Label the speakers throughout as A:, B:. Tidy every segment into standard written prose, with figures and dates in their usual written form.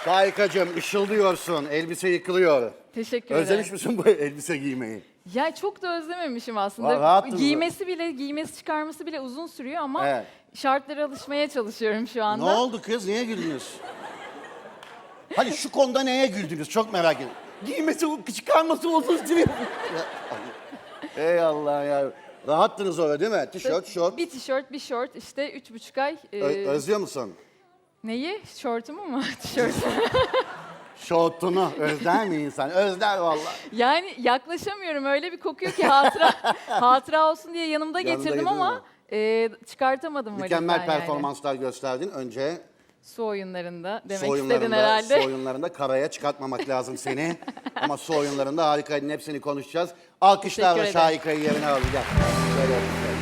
A: Şahikacığım ışıldıyorsun. Elbise yıkılıyor.
B: Teşekkür ederim.
A: Özlemiş misin bu elbise giymeyi?
B: Ya çok da özlememişim aslında.
A: Rahattınız
B: Giymesi çıkarması bile uzun sürüyor ama
A: Evet.
B: şartlara alışmaya çalışıyorum şu anda.
A: Ne oldu kız? Niye güldünüz? Hani şu konuda neye güldünüz? Çok merak ediyorum. Giymesi, çıkarması uzun sürüyor. Ey Allah ya. Rahattınız orada değil mi? Tişört, şort.
B: Bir tişört, bir şort işte 3,5 ay.
A: Özlüyor musun?
B: Neyi? Şortumu mu? Tişörtümü.
A: Şortunu özler mi insan? Özler vallahi.
B: Yani yaklaşamıyorum öyle bir kokuyor ki hatıra olsun diye yanımda
A: Yanında
B: getirdim
A: getirdin
B: ama çıkartamadım
A: Mükemmel
B: valizden yani.
A: performanslar gösterdin. Önce
B: Su oyunlarında demek
A: su
B: istedin
A: oyunlarında,
B: herhalde.
A: su oyunlarında karaya çıkartmamak lazım seni. Ama su oyunlarında harikaydın. Hepsini konuşacağız. Alkışlarla
B: Teşekkür ederim.
A: Şahika'yı yerine alın. Gel. Şöyle yapayım.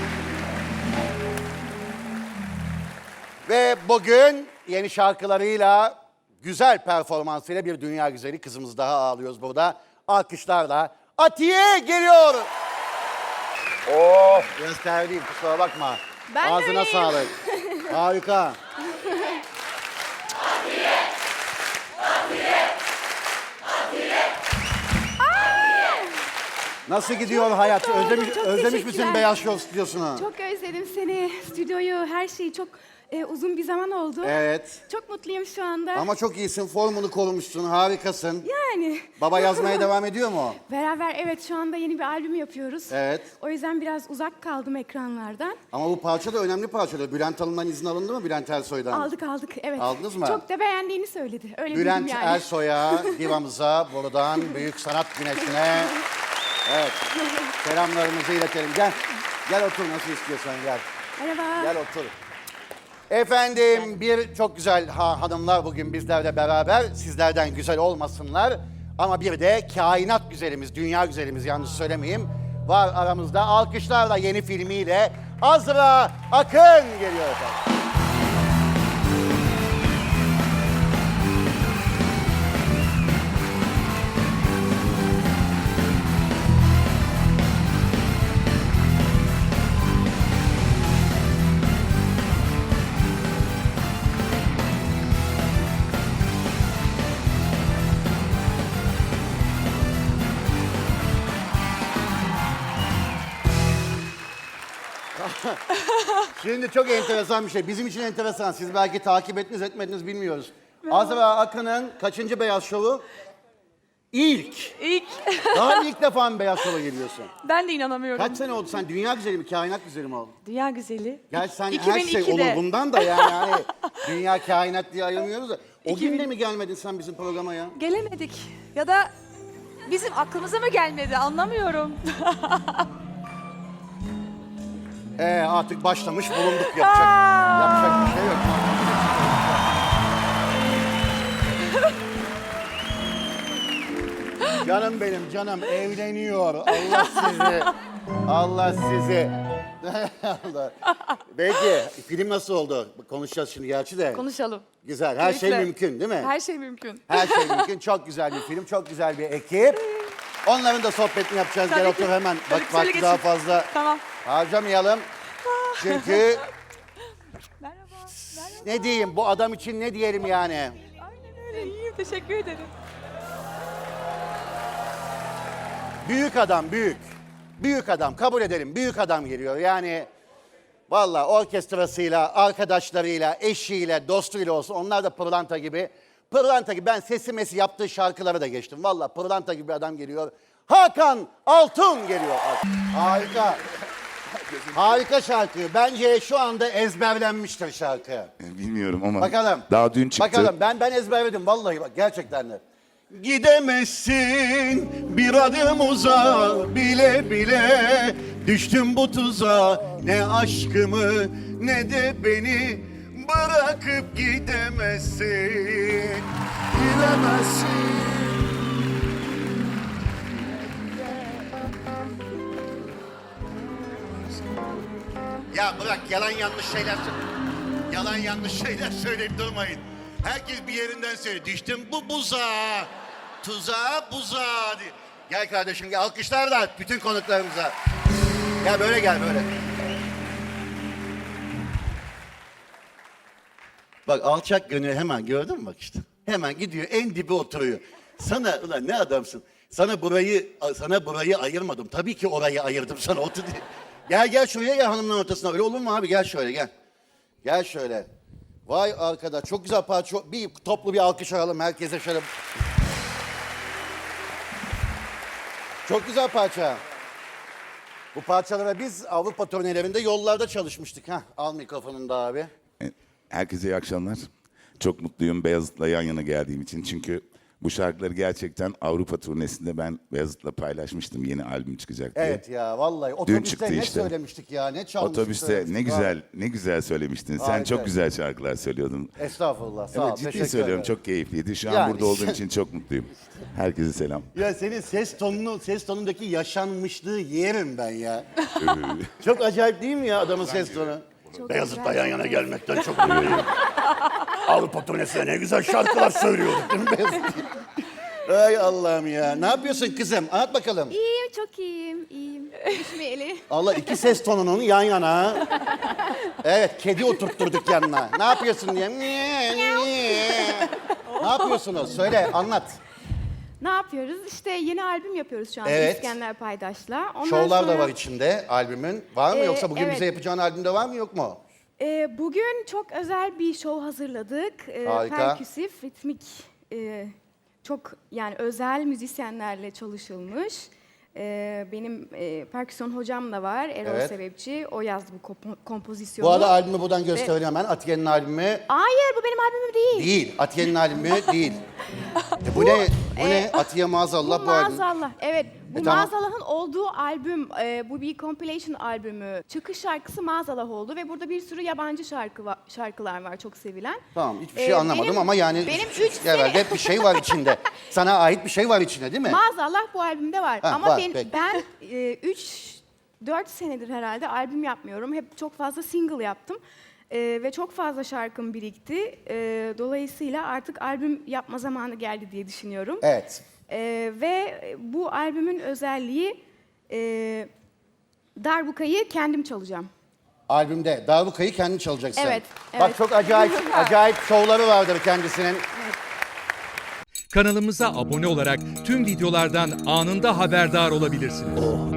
A: Ve bugün yeni şarkılarıyla, güzel performansıyla bir dünya güzeli kızımız daha ağlıyoruz burada. Alkışlarla Atiye geliyor. Oh, gösterdiğim kusura bakma.
B: Ben de
A: Ağzına
B: öyleyim.
A: sağlık. Harika. Nasıl gidiyor hayat?
C: mutlu oldum,
A: Özlemiş,
C: çok
A: özlemiş misin
C: teşekkürler.
A: Beyaz Show stüdyosunu?
C: Çok özledim seni, stüdyoyu, her şeyi. Çok uzun bir zaman oldu.
A: Evet.
C: Çok mutluyum şu anda.
A: Ama çok iyisin, formunu korumuşsun, harikasın.
C: Yani.
A: Baba yazmaya devam ediyor mu?
C: Beraber evet şu anda yeni bir albüm yapıyoruz.
A: Evet.
C: O yüzden biraz uzak kaldım ekranlardan.
A: Ama bu parça da önemli parça. Bülent Hanım'dan izin alındı mı Bülent Ersoy'dan?
C: Aldık evet.
A: Aldınız mı?
C: Çok da beğendiğini söyledi. Öyle
A: Bülent
C: duydum yani.
A: Ersoy'a, divamıza, buradan büyük sanat güneşine. Evet. Selamlarımızı iletelim. Gel. Gel otur nasıl istiyorsan gel.
C: Merhaba.
A: Gel otur. Efendim bir çok güzel hanımlar bugün bizlerle beraber. Sizlerden güzel olmasınlar. Ama bir de kainat güzelimiz, dünya güzelimiz yanlış söylemeyeyim. Var aramızda. Alkışlarla yeni filmiyle Azra Akın geliyor efendim. Şimdi çok enteresan bir şey. Bizim için enteresan. Siz belki takip ettiniz etmediniz bilmiyoruz. Azra Akın'ın kaçıncı Beyaz Şov'u? İlk.
D: İlk.
A: Daha ilk defa mı Beyaz Şov'a geliyorsun?
D: Ben de inanamıyorum.
A: Kaç sene oldu? Sen dünya güzeli mi, kainat güzeli mi oldun?
D: Dünya güzeli.
A: Gerçi sen her şey
D: 2002'de.
A: olur bundan da yani. Hani dünya kainat diye ayırmıyoruz da. O gün de mi gelmedin sen bizim programa ya?
D: Gelemedik. Ya da bizim aklımıza mı gelmedi anlamıyorum.
A: Artık başlamış bulunduk yapacak. Yapacak bir şey yok. Canım benim canım evleniyor. Allah sizi. Allah sizi. Allah. Peki film nasıl oldu? Konuşacağız şimdi gerçi de.
D: Konuşalım.
A: Güzel. Her şey
D: Keyifle.
A: mümkün değil mi?
D: Her şey mümkün.
A: Her şey mümkün. Çok güzel bir film. Çok güzel bir ekip. Onların da sohbetini yapacağız.
D: Tabii
A: Gel
D: ki.
A: otur hemen.
D: Tabii
A: Bak
D: ki, söyle
A: vakti daha
D: geçin.
A: fazla
D: Tamam.
A: harcamayalım. Çünkü
D: Merhaba. Merhaba.
A: ne diyeyim bu adam için ne diyelim yani.
D: Aynen öyle. İyiyim. Teşekkür ederim.
A: Büyük adam büyük. Büyük adam kabul edelim. Büyük adam geliyor. Yani vallahi orkestrasıyla, arkadaşlarıyla, eşiyle, dostuyla olsun. Onlar da pırlanta gibi. Pırlanta gibi. Ben sesi mesi yaptığı şarkıları da geçtim. Vallahi pırlanta gibi bir adam geliyor. Hakan Altun geliyor. Harika. Harika şarkı. Bence şu anda ezberlenmiştir şarkı.
E: Bilmiyorum ama
A: Bakalım.
E: daha dün çıktı.
A: Bakalım ben ezberledim vallahi bak gerçekten de. Gidemezsin bir adım uza bile bile düştüm bu tuzağa ne aşkımı ne de beni bırakıp gidemezsin. Gidemezsin. Ya bırak yalan yanlış şeyler yalan yanlış şeyler söyleyip durmayın. Herkes bir yerinden söylüyor. Düştüm bu buzağa, tuzağa buzağa diye. Gel kardeşim gel alkışlar da bütün konuklarımıza. Gel böyle gel böyle. Bak alçak gönül hemen gördün mü bak işte. Hemen gidiyor en dibe oturuyor. Sana ulan ne adamsın. Sana burayı ayırmadım. Tabii ki orayı ayırdım sana otur diye. Gel şuraya gel hanımların ortasına. Öyle olur mu abi? Gel şöyle gel. Gel şöyle. Vay arkadaş çok güzel parça. Bir toplu bir alkış alalım herkese şöyle. Çok güzel parça. Bu parçalara biz Avrupa turnelerinde yollarda çalışmıştık. Heh, al mikrofonunu da abi.
E: Herkese iyi akşamlar. Çok mutluyum Beyazıt'la yan yana geldiğim için. Çünkü bu şarkıları gerçekten Avrupa turnesinde ben Beyazıt'la paylaşmıştım. Yeni albüm çıkacak diye.
A: Evet ya vallahi
E: Dün
A: otobüste
E: çıktı
A: ne
E: işte.
A: söylemiştik ya ne çalmıştık.
E: Otobüste
A: söylemiştik.
E: ne güzel ne güzel söylemiştin. Sen
A: Harika.
E: çok güzel şarkılar söylüyordun.
A: Estağfurullah sağ ol.
E: Evet ciddi
A: teşekkür
E: söylüyorum
A: ederim.
E: çok keyifliydi. Şu an
A: Yani
E: burada olduğum
A: işte-
E: için çok mutluyum. Herkese selam.
A: Ya senin ses tonundaki yaşanmışlığı yerim ben ya. Çok acayip değil mi ya adamın ses tonu? Beyazıt'la yan yana gelmekten çok mutluyum. Avrupa turnesine ne güzel şarkılar söylüyorduk değil mi Beyazıt? Ay Allah'ım ya. Ne yapıyorsun kızım? Anlat bakalım.
C: İyiyim, çok iyiyim, iyiyim. Düşmeyeli.
A: Allah iki ses tonunun yan yana. Evet kedi oturtturduk yanına. Ne yapıyorsun diye. Ne yapıyorsunuz? Söyle anlat.
C: Ne yapıyoruz? İşte yeni albüm yapıyoruz şu an
A: Evet.
C: İskender Paydaş'la. Ondan
A: Şovlar da
C: sonra,
A: var içinde albümün. Var mı yoksa bugün
C: evet.
A: bize yapacağın albümde var mı yok mu?
C: Bugün çok özel bir show hazırladık.
A: Harika.
C: Perküsif, ritmik, çok yani özel müzisyenlerle çalışılmış. Benim perküsyon hocam da var, Erol
A: Evet.
C: Sebepçi. O yazdı bu kompozisyonu.
A: Bu arada albümü buradan göstereyim hemen. Atiye'nin albümü
C: Hayır, bu benim albümüm değil.
A: değil. Atiye'nin albümü değil. Bu ne? Bu ne? Atiye maazallah bu albüm.
C: Maazallah, evet. Bu
A: tamam.
C: Maazallah'ın olduğu albüm, bu bir compilation albümü. Çıkış şarkısı Maazallah oldu ve burada bir sürü yabancı şarkılar var çok sevilen.
A: Tamam hiçbir şey anlamadım ama yani
C: benim
A: herhalde hep bir şey var içinde. Sana ait bir şey var içinde değil mi?
C: Maazallah bu albümde var.
A: Ha,
C: Ama
A: var,
C: ben
A: peki.
C: 4 senedir herhalde albüm yapmıyorum. Hep çok fazla single yaptım. Ve çok fazla şarkım birikti. Dolayısıyla artık albüm yapma zamanı geldi diye düşünüyorum.
A: Evet.
C: Ve bu albümün özelliği darbukayı kendim çalacağım.
A: Albümde darbukayı kendin çalacaksın.
C: Evet,
A: Bak
C: evet.
A: çok acayip şovları vardır kendisinin.
F: Kanalımıza abone olarak tüm videolardan anında haberdar olabilirsiniz.